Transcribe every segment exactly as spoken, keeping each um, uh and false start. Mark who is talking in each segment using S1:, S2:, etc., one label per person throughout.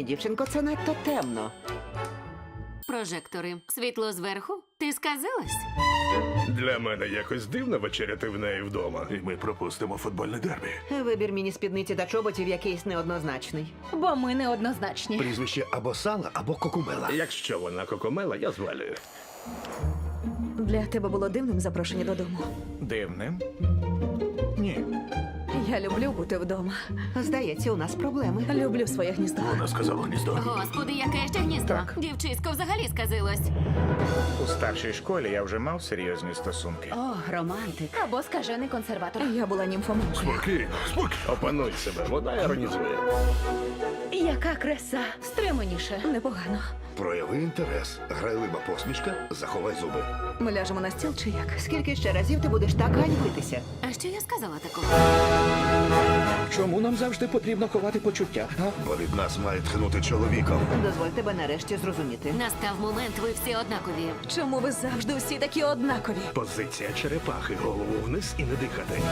S1: Ні, дівчинко, це надто темно.
S2: Прожектори. Світло зверху? Ти сказилась?
S3: Для мене якось дивно вечеряти в неї вдома. І ми пропустимо футбольне дербі.
S1: Вибір міні-спідниці та чоботів якийсь неоднозначний.
S4: Бо ми неоднозначні.
S5: Прізвище або Сала, або Кокумела.
S3: Якщо вона кокомела, я звалюю.
S4: Для тебе було дивним запрошення додому.
S5: Дивним? Ні.
S4: Я люблю бути вдома.
S1: Здається, у нас проблеми.
S4: Люблю своє гніздо.
S3: Вона сказала гніздо.
S2: Господи, яке ще гніздо. Дівчисько взагалі сказилось.
S6: У старшій школі я вже мав серйозні стосунки.
S2: О, романтик.
S4: Або скажений консерватор. Я була німфоманкою.
S3: Спокійно, спокійно. Опануй себе, вона іронізує.
S4: Яка краса. Стриманіше. Непогано.
S5: Прояви інтерес. Грайлива посмішка, заховай зуби.
S4: Ми ляжемо на стіл чи як?
S1: Скільки ще разів ти будеш так ганьбитися?
S2: А що я сказала такого?
S7: Чому нам завжди потрібно ховати почуття? А?
S5: Бо від нас має тхнути чоловіком.
S1: Дозволь тебе нарешті зрозуміти.
S2: Настав момент, ви всі однакові.
S4: Чому ви завжди всі такі однакові?
S3: Позиція черепахи, голову вниз і не дихати.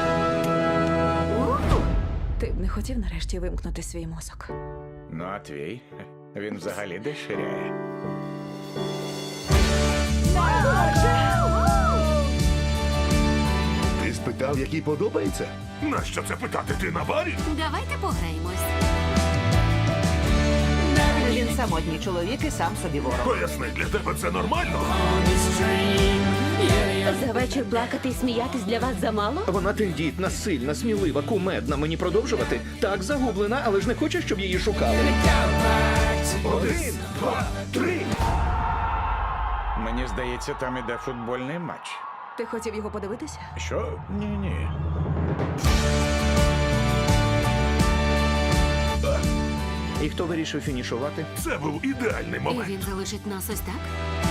S4: Ти б не хотів нарешті вимкнути свій мозок?
S6: Ну а твій? Він взагалі деширяє.
S5: Ти спитав, який подобається?
S3: Нащо це питати? Ти на барі?
S2: Давайте пограємось.
S1: Він самотній чоловік і сам собі ворог.
S3: Поясни, для тебе це нормально?
S2: За вечір плакати і сміятись для вас замало?
S7: Вона тендітна, сильна, смілива, кумедна. Мені продовжувати? Так, загублена, але ж не хоче, щоб її шукали.
S3: Один, два, три.
S6: Мені здається, там іде футбольний матч.
S4: Ти хотів його подивитися?
S3: Що?
S6: Ні-ні.
S7: І хто вирішив фінішувати?
S3: Це був ідеальний
S2: І
S3: момент.
S2: він залишить нас ось так?